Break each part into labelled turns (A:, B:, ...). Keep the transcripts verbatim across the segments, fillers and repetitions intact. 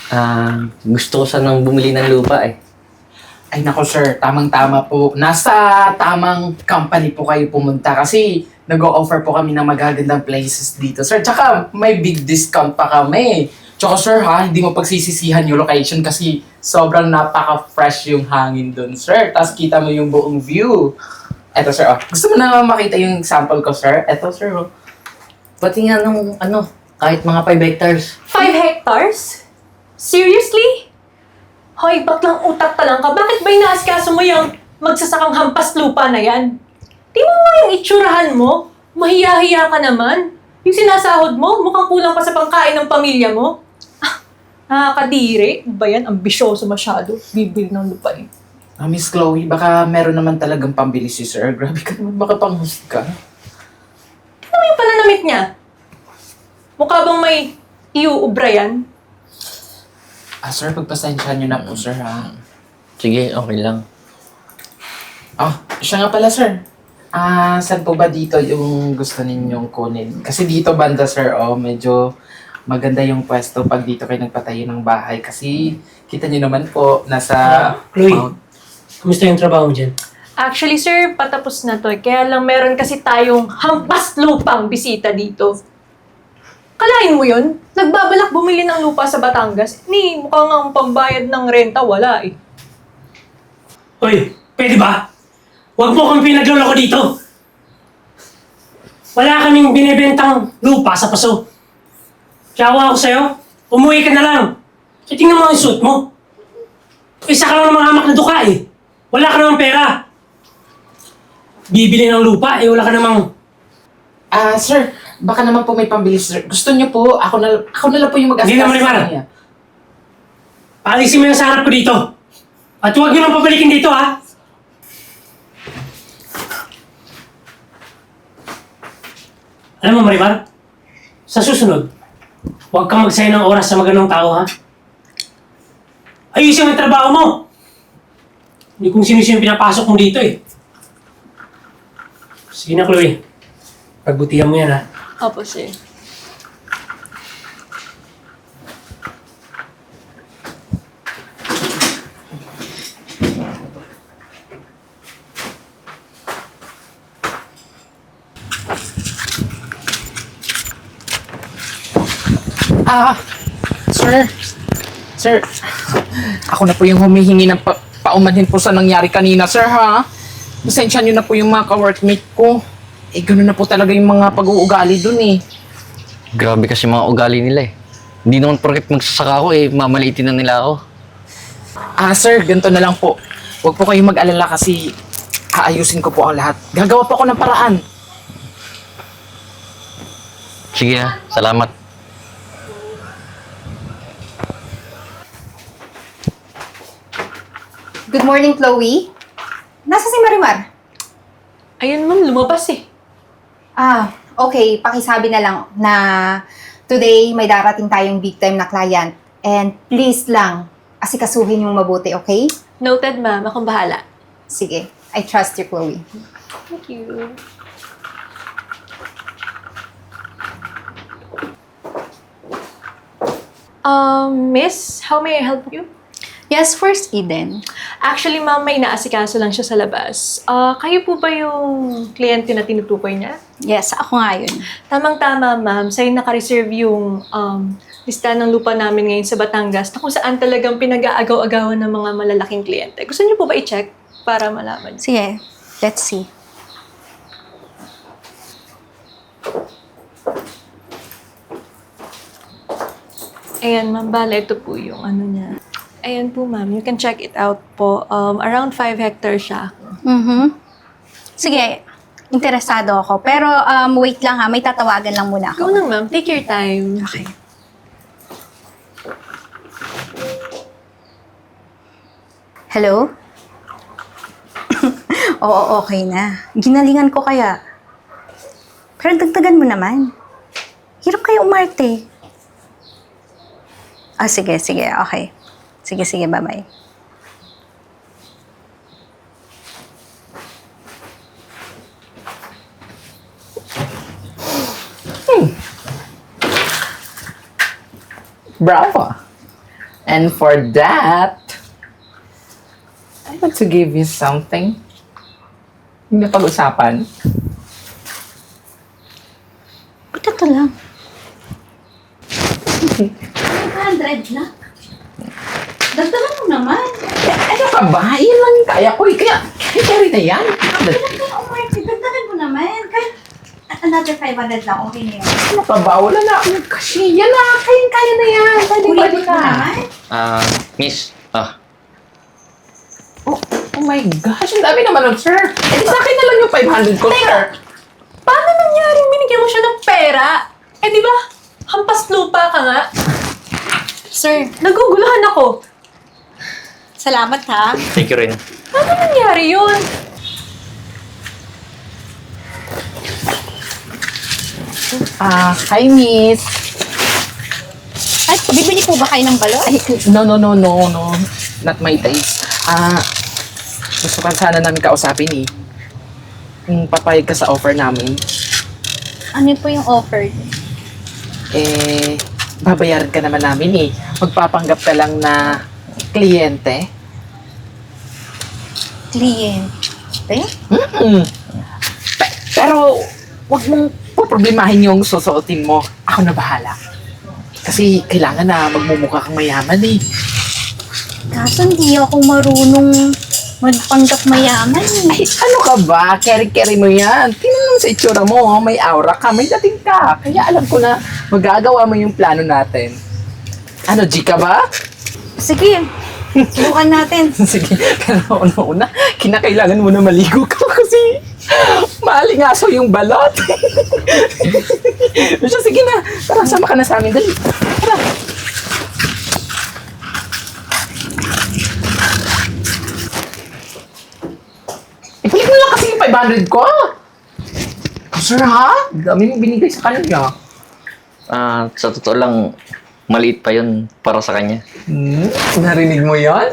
A: Ah, gusto ko sanang bumili ng lupa eh.
B: Ay nako sir, tamang-tama po. Nasa tamang company po kayo pumunta kasi nag-o-offer po kami ng magagandang places dito sir. Tsaka may big discount pa kami. Tsaka sir ha, hindi mo pagsisisihan yung location kasi sobrang napaka-fresh yung hangin dun sir. Tapos kita mo yung buong view. Eto sir, oh. Gusto mo na makita yung sample ko sir? Eto sir, oh.
A: Pati nga nung ano, kahit mga five hectares.
C: Five hectares? Seriously? Hoy, baklang utak ka lang ka. Bakit ba inaasikaso mo yung magsasakang hampas lupa na yan? Di mo nga yung itsurahan mo? Mahiya-hiya ka naman. Yung sinasahod mo, mukhang kulang pa sa pangkain ng pamilya mo. Ah, nakakadiri. Ano ba yan? Ambisyoso masyado. Bibili ng lupa eh.
B: Ah, Miss Chloe, baka meron naman talagang pambili si sir. Grabe ka naman, baka panghusga.
C: Ano yung pananamit niya? Mukha bang may iuubra yan?
B: Ah, sir, pagpasensyahan niyo na po, sir, ha?
A: Sige, okay lang.
B: Ah, siya nga pala, sir. Ah, saan po ba dito yung gusto ninyong kunin? Kasi dito banda, sir, oh, medyo maganda yung pwesto pag dito kayo nagpatayo ng bahay. Kasi kita niyo naman po, nasa...
D: Ah, Chloe.
B: Mount-
D: Kumusta yung trabaho mo dyan?
C: Actually, sir, patapos na to. Kaya lang meron kasi tayong hampas lupang bisita dito. Kalain mo yun? Nagbabalak bumili ng lupa sa Batangas. Ni, mukhang ang pambayad ng renta, wala eh.
D: Hoy, pwede ba? Huwag mo kami pinagloloko dito. Wala kaming binibentang lupa sa paso. Kaya ako sa'yo, umuwi ka na lang. Kaya tingnan mo ang suit mo. Isa ka lang ng mga hamak na duka eh. Wala ka namang pera. Bibili ng lupa eh, wala ka namang...
B: Ah, sir, baka naman po may pambili, sir. Gusto niyo po, ako na, ako na lang po yung mag-askas
D: Hindi na, Marimar.
B: kanya.
D: Paalisin mo yung sa harap ko dito. At huwag nyo nang pabalikin dito ha. Alam mo, Marimar, sa susunod, huwag kang magsayang ng oras sa maganong tao, ha? Ayusin mo yung trabaho mo! Hindi kung sino-sino pinapasok mo dito, eh. Sige na, Chloe. Pagbutihan mo yan, ha?
C: Opo, sir.
B: Ah, sir. Sir, ako na po yung humihingi ng pa paumanhin po sa nangyari kanina, sir, ha? Pasensya niyo na po yung mga ka-workmate ko. Eh, gano'n na po talaga yung mga pag-uugali dun, eh.
A: Grabe kasi mga ugali nila eh. Hindi naman porket magsasaka ako eh, mamaliitin na nila ako.
B: Ah, sir, ganito na lang po. Huwag po kayong mag-alala kasi aayusin ko po ang lahat. Gagawa po ako ng paraan.
A: Sige ha, salamat.
E: Good morning, Chloe. Nasa si Marimar?
C: Ayun ma'am, lumabas eh.
E: Ah, okay. Pakisabi na lang na today may darating tayong big time na client. And please lang, asikasuhin yung mabuti, okay?
C: Noted ma'am, akong bahala.
E: Sige. I trust you, Chloe.
C: Thank you. Um, miss, how may I help you?
F: Yes, First Eden.
C: Actually, ma'am, may inaasikaso lang siya sa labas. Ah, kayo po ba yung kliyente na tinutukoy niya?
F: Yes, ako nga yun.
C: Tamang-tama, ma'am. Sa'yo naka-reserve yung um, listahan ng lupa namin ngayon sa Batangas na kung saan talagang pinag-aagaw-agawan ng mga malalaking kliyente. Gusto niyo po ba i-check para malaman?
F: Sige, let's see.
C: Ayan, ma'am. Bala, ito po yung ano niya. Ayan po, ma'am. You can check it out po. Um, around five hectares siya.
F: Mm-hmm. Sige, interesado ako. Pero um, wait lang ha, may tatawagan lang muna
C: Go
F: ako.
C: na, ma'am. Take your time.
F: Okay. Hello? Oo, okay na. Ginalingan ko kaya. Pero dagdagan mo naman. Hirap kayo umarte. Ah, sige, sige, okay. Sige, sige, bye-bye.
B: Bravo, ah. And for that, I want to give you something. Hindi pag-usapan.
F: Ito to lang. five hundred na. Dagdagan mo naman.
B: Ano ka ba? Yan lang yung kaya ko. eh. Kaya, kaya carry na yan.
F: Kaya umarte, dagdagan mo naman. Kahit another five hundred lang, okay na yun.
B: Ano ka ba? Wala na akong kasi. Yan na. Kaya, kaya na yan. Pwede
F: Ulit
B: pwede
F: mo
B: na.
F: naman.
A: Ah, miss. Ah,
B: Oh, oh my gosh. Ang dami naman nun, sir. Eh, di sa akin na lang yung five hundred ko, sir.
C: Paano nangyaring binigyan mo siya ng pera? Eh di ba, hampas lupa ka nga.
F: Sir,
C: Naguguluhan ako.
F: salamat ha.
A: thank you rin.
C: Paano nangyari yun?
B: Ah, hi, miss.
F: Ay, bibili po ba kayo ng balon?
B: Ay, no, no, no, no, no. Not my taste. Ah, gusto ka sana namin kausapin eh. Kung papayag ka sa offer namin,
F: Ano po yung offer?
B: eh, babayaran ka naman namin eh. Magpapanggap ka lang na kliyente.
F: Kliyente?
B: Mm. Pe- pero, wag mong poproblemahin yung susuotin mo. Ako na bahala. Kasi kailangan na magmumukha kang mayaman eh.
F: Kaso hindi ako marunong magpanggap mayaman eh.
B: Ay, ano ka ba? Carry-carry mo yan. Tingnan mo sa itsura mo. oh. May aura ka, may dating ka. Kaya alam ko na magagawa mo yung plano natin. Ano, G ka ba?
F: Sige, subukan natin.
B: Sige, pero una-una, kinakailangan mo na maligo ka kasi maalingaso yung balot. Siya, sige na. Tara, sama ka na sa amin. Dali. Tara. Ibalik mo lang kasi yung five hundred ko. Sir, ha? Dami mo binigay sa kanya.
A: Ah, sa totoo lang, maliit pa yun para sa kanya.
B: Hmm? Narinig mo yan?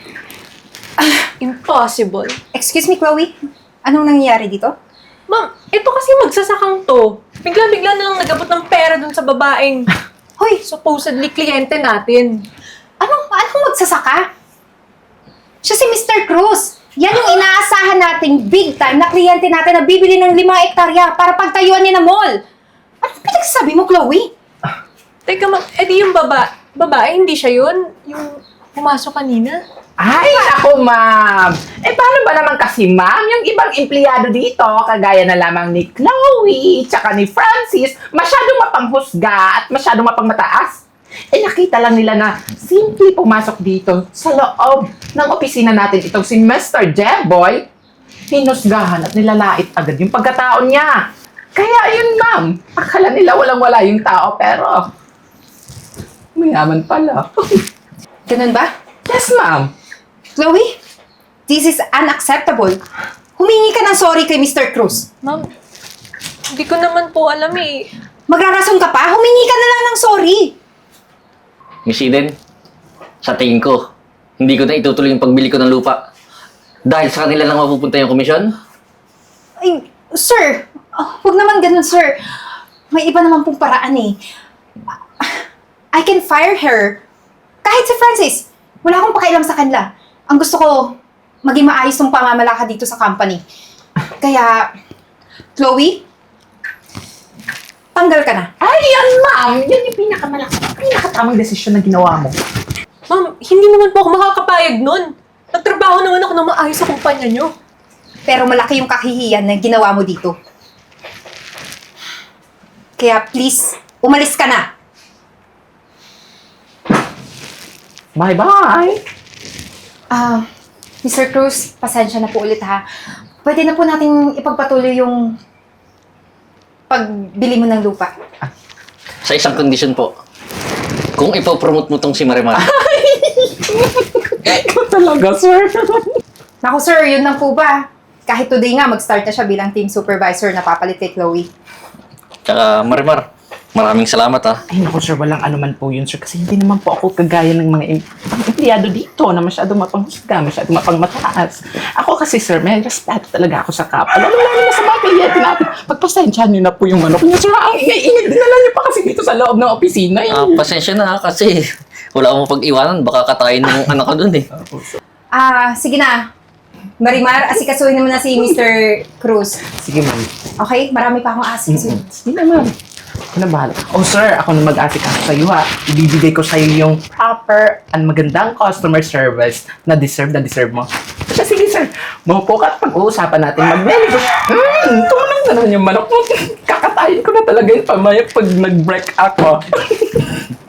C: Impossible.
E: Excuse me, Chloe? Anong nangyayari dito?
C: Ma'am, ito kasi magsasakang to. Bigla-bigla na lang nagabot ng pera dun sa babaeng
E: Hoy,
C: supposedly kliyente natin.
E: anong, anong magsasaka? Siya si Mister Cruz. Yan yung inaasahan nating big time na kliyente natin na bibili ng limang ektarya para pagtayuan niya ng mall. Anong pinagsasabi mo, Chloe?
C: Teka ma'am, edi yung baba, babae, hindi siya yun? Yung pumasok kanina?
B: Ay, ako, ma'am. Eh, paano ba naman kasi, ma'am? Yung ibang empleyado dito, kagaya na lamang ni Chloe, tsaka ni Francis, masyadong mapanghusga at masyadong mapangmataas. Eh, nakita lang nila na simple pumasok dito sa loob ng opisina natin itong si Mister Jeboy. Hinusgahan at nilalait agad yung pagkataon niya. Kaya yun, ma'am. Akala nila walang-wala yung tao, pero mayaman pala.
E: Ganun ba?
B: Yes, ma'am.
E: Chloe, this is unacceptable. Humingi ka ng sorry kay Mister Cruz.
C: Ma'am, hindi ko naman po alam eh.
E: Magrarason ka pa? Humingi ka na lang ng sorry.
A: Miss Eden, sa tingin ko, hindi ko na itutuloy yung pagbili ko ng lupa. Dahil sa kanila lang mapupunta yung komisyon.
E: Ay, sir, ah, huwag naman ganun, sir. May iba naman pong paraan eh. I can fire her. Kahit si Francis, wala akong pakialam sa kanila. Ang gusto ko, maging maayos ng pamamalakad dito sa company. Kaya, Chloe, tanggal ka na.
B: Ay, yan, ma'am. Yan yung pinakamalaki, pinakatamang desisyon na ginawa mo.
C: Ma'am, hindi naman po ako makakapayag nun. Nagtrabaho naman ako ng maayos sa kumpanya nyo.
E: Pero malaki yung kahihiyan na ginawa mo dito. Kaya please, umalis ka na.
B: Bye-bye.
E: Ah, Mister Cruz, pasensya na po ulit ha. Pwede na po nating ipagpatuloy yung pagbili mo ng lupa.
A: Sa isang kondisyon po, kung ipopromote mo tong si Marimar,
B: Ikaw talaga, sir.
E: Naku sir, yun lang po ba? Kahit today nga, mag-start na siya bilang team supervisor na papalit kay Chloe.
A: tsaka Marimar, maraming salamat ah.
B: Ay, naku, sir. Walang anuman po yun, sir. Kasi hindi naman po ako kagaya ng mga em- empleyado dito na masyadong mapanghusga, masyadong mapangmataas. Ako kasi, sir, may respeto talaga ako sa kapwa. Lalo lalo na sa mga kliyente natin. Pagpasensyahan niyo na po yung manok niyo, sir. Ang ingay-ingay din na niyo pa kasi dito sa loob ng opisina. Eh.
A: Ah, pasensya na ah, kasi Wala akong pag-iwanan, baka katayin ng anak ko dun eh.
E: Ah, sige na. Marimar, asikasuhin naman na si mister Cruz.
B: Sige, ma'am.
E: Okay? Marami pa akong asikasuhin.
B: Sige na, ma'am. Ako na bahala. Oh, sir, ako na mag-asikaso sa iyo, ha. Ibibigay ko sa iyo yung proper and magandang customer service na deserve na deserve mo. Sige, sige, sir. Maupo ka at pag-uusapan natin. Mag-menu. Hmm, tumanang na naman yung manok mo. Kakatayin ko na talaga yung pamaya pag nag-break ako.